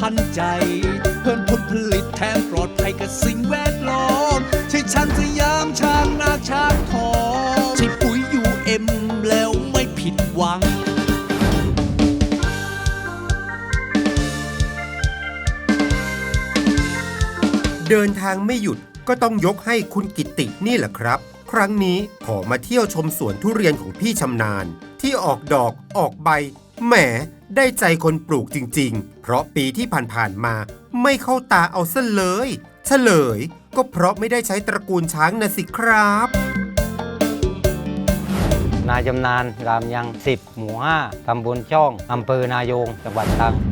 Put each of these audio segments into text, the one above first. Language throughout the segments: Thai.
ทันใจเพิ่มผลผลิตแถมปลอดภัยกับสิ่งแวดล้อมใช่ช้างสยามช้างนาช้างทองใช่ปุ๋ยUMแล้วไม่ผิดหวังเดินทางไม่หยุดก็ต้องยกให้คุณกิตตินี่แหละครับครั้งนี้ขอมาเที่ยวชมสวนทุเรียนของพี่ชำนาญที่ออกดอกออกใบแหมได้ใจคนปลูกจริงๆเพราะปีที่ผ่านๆมาไม่เข้าตาเอาซะเลยเฉลยก็เพราะไม่ได้ใช้ตระกูลช้างนะสิครับนายชำนาญรามยัง10 หมู่ 5 ตำบลช่องอำเภอนายงจังหวัดตรัง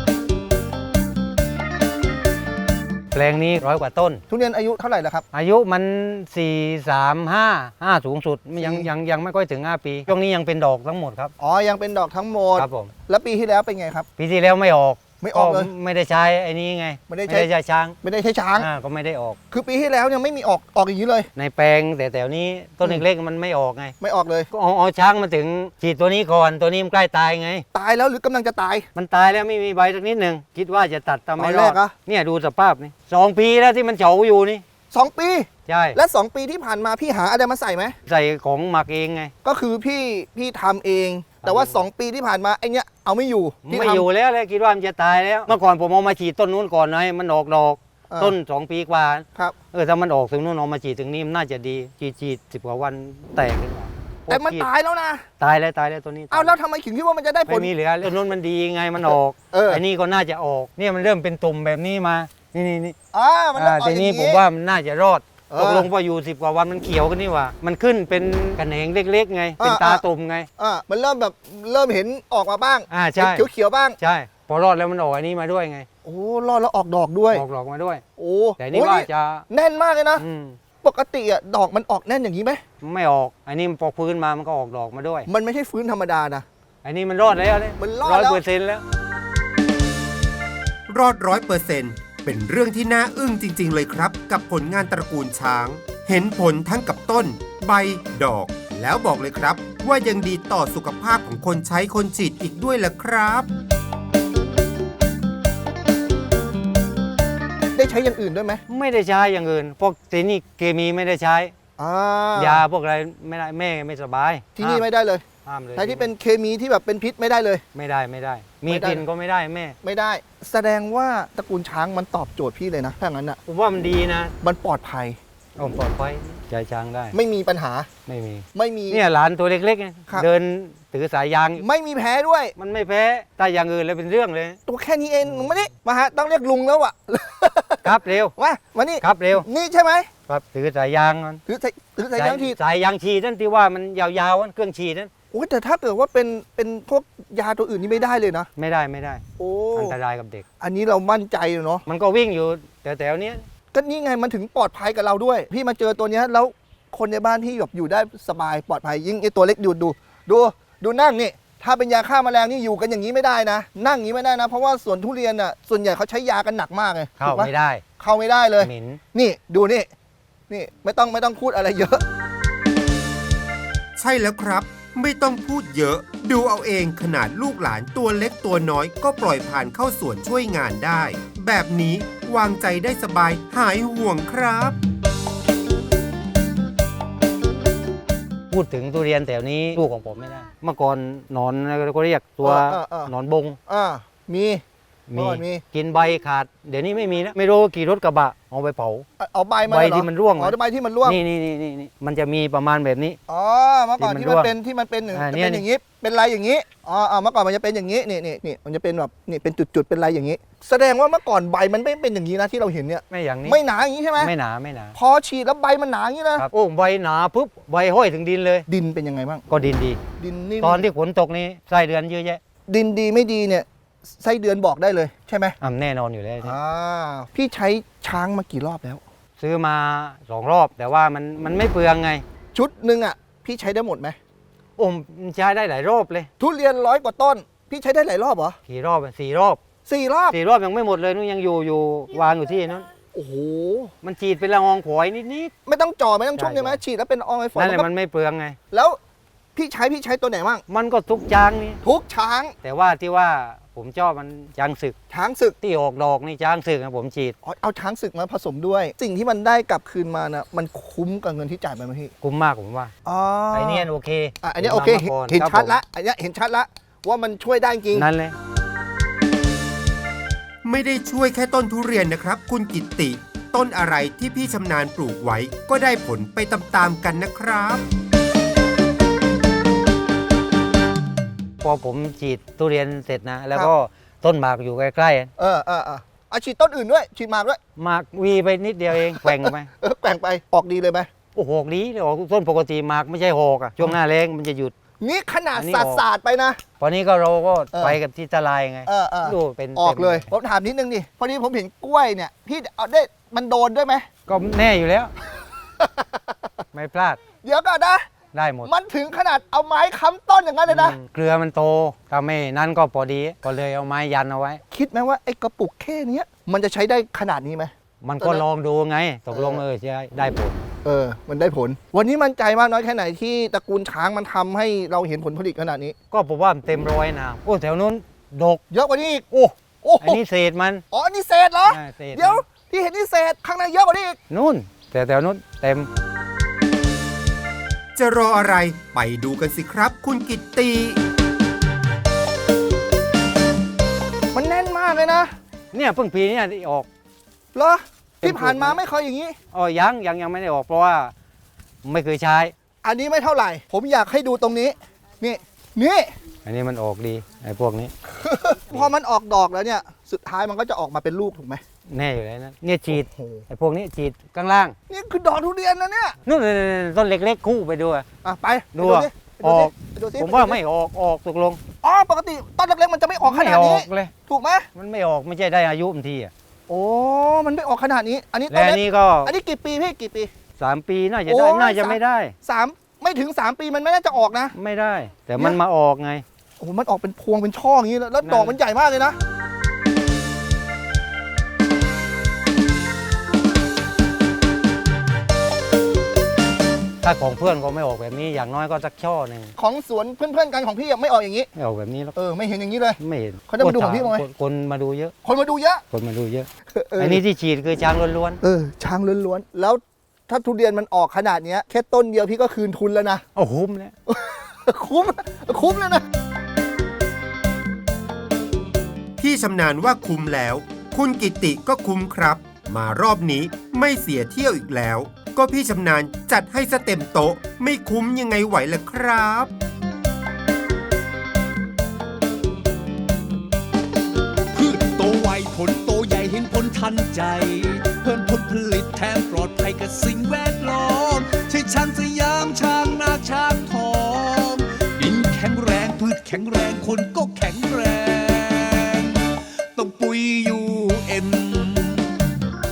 แปลงนี้100 กว่าต้นทุเรียนอายุเท่าไหร่แล้วครับอายุมัน4 3 5สูงสุดยังไม่ค่อยถึง5 ปีช่วงนี้ยังเป็นดอกทั้งหมดครับอ๋อยังเป็นดอกทั้งหมดครับผมแล้วปีที่แล้วเป็นไงครับปีที่แล้วไม่ออกเลยไม่ได้ใช้ไอ้นี้ไงไม่ได้ใช้ช้างไม่ได้ใช้ช้างก็ไม่ได้ออกคือปีที่แล้วยังไม่มีออกอย่างนี้เลยในแปลงแต่แถวนี้ต้นเล็กๆมันไม่ออกไงไม่ออกเลยก็เอาช้างมาถึงฉีดตัวนี้ก่อนตัวนี้มันใกล้ตายไงตายแล้วหรือกำลังจะตายมันตายแล้วไม่มีใบสักนิดหนึ่งคิดว่าจะตัดแต่ไม่รอดเนี่ยดูสภาพนี่2 ปีแล้วที่มันเฉาอยู่นี่ 2 ปีใช่และ2 ปีที่ผ่านมาพี่หาอะไรมาใส่ไหมใส่ของหมักเองไงก็คือพี่ทำเองแต่ว่า2 ปีที่ผ่านมาไอ้เนี้ยเอาไม่อยู่ไม่อยู่แล้วเลยคิดว่ามันจะตายแล้วเมื่อก่อนผมเอามาฉีดต้นนู้นก่อนนะให้มันออกดอกต้น2 ปีกว่าครับถ้ามันออกถึงนู้นเอามาฉีดถึงนี้มันน่าจะดีฉีด10 กว่าวันแตกขึ้นมาแต่มันตายแล้วนะตายแล้วตัวนี้เอาแล้วทำไมถึงคิดว่ามันจะได้ผลไม่มีเหลือต้นนู้นมันดีไงมันออกไอ้นี่ก็น่าจะออกเนี่ยมันเริ่มเป็นตุ่มแบบนี้มานี่มันออกทีนี้ผมว่ามันน่าจะรอดตกลงพออยู่10 กว่าวันมันเขียวกันนี่ว่ามันขึ้นเป็นกระแหนงเล็กๆไงเป็นตาตุ่มไงมันเริ่มเห็นออกมาบ้างใช่เขียวบ้างใช่พอรอดแล้วมันออกอันนี้มาด้วยไงโอ้รอดแล้วออกดอกด้วยออกดอกมาด้วยโอ้แต่นี่ว่าจะแน่นมากเลยนะปกติดอกมันออกแน่นอย่างนี้ไหมไม่ออกอันนี้พอฟื้นมามันก็ออกดอกมาด้วยมันไม่ใช่ฟื้นธรรมดานะอันนี้มันรอดแล้วมันรอดแล้ว 100%แล้วรอด100%เป็นเรื่องที่น่าอึ้งจริงๆเลยครับกับผลงานตระกูลช้างเห็นผลทั้งกับต้นใบดอกแล้วบอกเลยครับว่ายังดีต่อสุขภาพของคนใช้คนฉีดอีกด้วยล่ะครับได้ใช้อย่างอื่นด้วยไหมไม่ได้ใช้อย่างอื่นพวกที่นี่เคมีไม่ได้ใช้ยาพวกอะไรไม่ได้แม่ไม่สบายที่นี่ไม่ได้เลยห้ามเลยใช้ที่เป็นเคมีที่แบบเป็นพิษไม่ได้เลยไม่ได้มีกลิ่นก็ไม่ได้แม่ไม่ได้แสดงว่าตระกูลช้างมันตอบโจทย์พี่เลยนะถ้างั้นอ่ะผมว่ามันดีนะมันปลอดภัยปลอดภัยใจช้างได้ไม่มีปัญหาไม่มีเนี่ยหลานตัวเล็กๆเดินถือสายยางไม่มีแพ้ด้วยมันไม่แพ้แต่อย่างอื่นเลยเป็นเรื่องเลยตัวแค่นี้เองมานี่มาฮะต้องเรียกลุงแล้วอ่ะครับเร็วมานี่ครับเร็วนี่ใช่ไหมครับถือสายยางถือสายยางฉีดสายยางฉีดนั่นที่ว่ามันยาวๆเครื่องฉีดนั่นโอ้แต่ถ้าเกิดว่าเป็นพวกยาตัวอื่นนี่ไม่ได้เลยนะไม่ได้โอ้อันตรายกับเด็กอันนี้เรามั่นใจเนาะมันก็วิ่งอยู่แถวๆนี้ก็นี่ไงมันถึงปลอดภัยกับเราด้วยพี่มาเจอตัวนี้แล้วคนในบ้านพี่แบบอยู่ได้สบายปลอดภัยยิ่งไอตัวเล็กดูนั่งนี่ถ้าเป็นยาฆ่าแมลงนี่อยู่กันอย่างนี้ไม่ได้นะนั่งอย่างนี้ไม่ได้นะเพราะว่าสวนทุเรียนอ่ะส่วนใหญ่เขาใช้ยากันหนักมากเลยเข้าไม่ได้เลยนี่ดูนี่ไม่ต้องพูดอะไรเยอะใช่แล้วครับไม่ต้องพูดเยอะดูเอาเองขนาดลูกหลานตัวเล็กตัวน้อยก็ปล่อยผ่านเข้าสวนช่วยงานได้แบบนี้วางใจได้สบายหายห่วงครับพูดถึงทุเรียนแถวนี้ลูกของผมไม่ได้เมื่อก่อนหนอนก็เรียกตัวหนอนบงมีกินใบขาดเดี๋ยวนี้ไม่มีแล้วไม่รู้กี่รถกระบะเอาไปเผาเอาใบที่มันร่วงใบที่มันร่วงนี่มันจะมีประมาณแบบนี้เมื่อก่อนที่มันเป็นอย่างนี้เป็นลายอย่างนี้เมื่อก่อนมันจะเป็นอย่างนี้นี่มันจะเป็นแบบนี่เป็นจุดๆเป็นลายอย่างนี้แสดงว่าเมื่อก่อนใบมันไม่เป็นอย่างนี้นะที่เราเห็นเนี่ยไม่อย่างนี้ไม่หนาอย่างนี้ใช่ไหมไม่หนาพอฉีดแล้วใบมันหนาอย่างนี้นะครับโอ้ใบหนาปุ๊บใบห้อยถึงดินเลยดินเป็นยังไงบ้างก็ดินดีตอนที่ฝนตกนี้ไส้เดือนเยอะแยะดินดีไม่ดีเนี่ยไส้เดือนบอกได้เลยใช่ไหมแน่นอนอยู่แล้วพี่ใช้ช้างมากี่รอบแล้วซื้อมา2 รอบแต่ว่ามันไม่เปลืองไงชุดหนึ่งอ่ะพี่ใช้ได้หมดไหมใช้ได้หลายรอบเลยทุเรียน100 กว่าต้นพี่ใช้ได้หลายรอบเหรอกี่รอบ4 รอบ4 รอบยังไม่หมดเลยนู้นยังอยู่วางอยู่ที่นั้นโอ้โหมันฉีดเป็นละอองฝอยนิดไม่ต้องจ่อไม่ต้องชุ่มใช่ไหมฉีดแล้วเป็นละอองฝอยนั่นแหละมันไม่เปลืองไงแล้วพี่ใช้ตัวไหนบ้างมันก็ทุกช้างนี่ทุกช้างแต่ว่าที่ว่าผมชอบมันช้างศึกช้างศึกที่ออกดอกนี่ช้างศึกนะผมฉีดอ๋อเอาช้างศึกมาผสมด้วย สิ่งที่มันได้กลับคืนมานะมันคุ้มกับเงินที่จ่ายไปไหมพี่คุ้มมากผมว่าอ๋อไอเนี้ยโอเคอันนี้โอเคผมมาก่อนเห็นครับชัดผมละอันนี้เห็นชัดละว่ามันช่วยได้จริงนั่นเลยไม่ได้ช่วยแค่ต้นทุเรียนนะครับ คุณกิตติ ต้นอะไรที่พี่ชำนาญปลูกไว้ก็ได้ผลไปตามๆกันนะครับพอผมฉีดทุเรียนเสร็จนะ แล้วก็ต้นหมากอยู่ใกล้เอาฉีดต้นอื่นด้วยฉีดหมากด้วยๆหมากวีไปนิดเดียวเองแกว่งไปแกว่งไปออกดีเลยไหมโอ้โหอกดีออกต้นปกติหมากไม่ใช่หอกอะช่วงหน้าแรงมันจะหยุดนี่ขนาดอันนี้สาดออกสาดไปนะพอนี้ก็เราก็เออไปกับที่ตะไลไง ดูเป็นออกเลยต็มผมถามนิดนึงดิพอดีผมเห็นกล้วยเนี่ยพี่เอาได้มันโดนด้วยไหมก็แน่อยู่แล้ว ไม่พลาดเดี๋ยวก่อนนะได้หมดมันถึงขนาดเอาไม้ค้ำต้นอย่างนั้นเลยนะเกลือมันโตถ้าไม่นั่นก็พอดีก็เลยเอาไม้ยันเอาไว้คิดไหมว่าไอ้กระปุกแค่เนี้ยมันจะใช้ได้ขนาดนี้ไหมมันก็ลองดูไงตกลงใช่ได้ผลมันได้ผล วันนี้มั่นใจมากน้อยแค่ไหนที่ตระกูลช้างมันทำให้เราเห็นผลผลิตขนาดนี้ก็ผมว่ามันเต็มร้อยนะโอ้แถวนู้นดกเยอะกว่านี้อีกโอ้โอ้อันนี้เศษมันอ๋อนี่เศษเหรอเศษเดี๋ยวที่เห็นนี่เศษข้างในเยอะกว่านี้อีกนู่นแต่แถวนู้นเต็มจะรออะไรไปดูกันสิครับ คุณกิตติมันแน่นมากเลยนะเนี่ยเพิ่งปีเนี่ยที่ออกเหรอที่ผ่านมาไม่เคยอย่างนี้อ๋อยังไม่ได้ออกเพราะว่าไม่เคยใช้อันนี้ไม่เท่าไหร่ ผมอยากให้ดูตรงนี้ นี่อันนี้มันออกดีไอ้พวกนี้พอมันออกดอกแล้วเนี่ย สุดท้ายมันก็จะออกมาเป็นลูกถูกไหมแน่อยู่แล้วนะเนี่ยฉีดโอ้โหไอ้พวกนี้ฉีดข้างล่างนี่คือดอกทุเรียนนะเนี่ยนู่นต้นเล็กๆคู่ไปด้วยไปดูสิออกไปดูสิผมว่าไม่ออกตกลงอ๋อปกติต้นเล็กๆมันจะไม่ออกขไม่นาดอนี้อกเลยถูกไหมมันไม่ออกไม่ใช่ได้อายุมันทีอ่ะโอ้มันไม่ออกขนาดนี้ อันนี้ต้และนอันเล็กนี้ก็อันนี้กี่ปีพี่กี่ปี 3 ปีน่าจะโอ้ได้ยน่าจะไม่ได้ไม่ถึง 3 ปีมันไม่น่าจะออกนะไม่ได้ แต่มันมาออกไงโอ้โหมันออกเป็นพวงเป็นช่ออย่างนี้แล้วดอกมันใหญ่มากเลยนะถ้าของเพื่อนก็ไม่ออกแบบนี้อย่างน้อยก็สักช่อหนึ่งของสวนเพื่อนๆกันของพี่อะไม่ออกอย่างนี้ไม่ออกแบบนี้หรอกไม่เห็นอย่างนี้เลยไม่เห็นเขาจะมาดูของพี่ไหมคนมาดูเยอะคนมาดูเยอะคนมาดูเยอะอันนี้ที่ฉีดคือช้างล้วนช้างล้วนๆแล้วถ้าทุเรียนมันออกขนาดเนี้ยแค่ต้นเดียวพี่ก็คืนทุนแล้วนะๆโอ้โหเนี่ยคุ้มแล้วนะพี่ชำนาญว่าคุ้มแล้ว คุณกิตติก็คุ้มครับ มารอบนี้ไม่เสียเที่ยวอีกแล้ว ก็พี่ชำนาญจัดให้ซะเต็มโต๊ะ ไม่คุ้มยังไงไหวล่ะครับพืชโตไวผลโตใหญ่เห็นผลทันใจ เพิ่มผลผลิตแถมปลอดภัยกับสิ่งแวดล้อมใช่ช้างสยามช้างนาช้างทองดินแข็งแรงพืชแข็งแรงคนก็แข็งแรง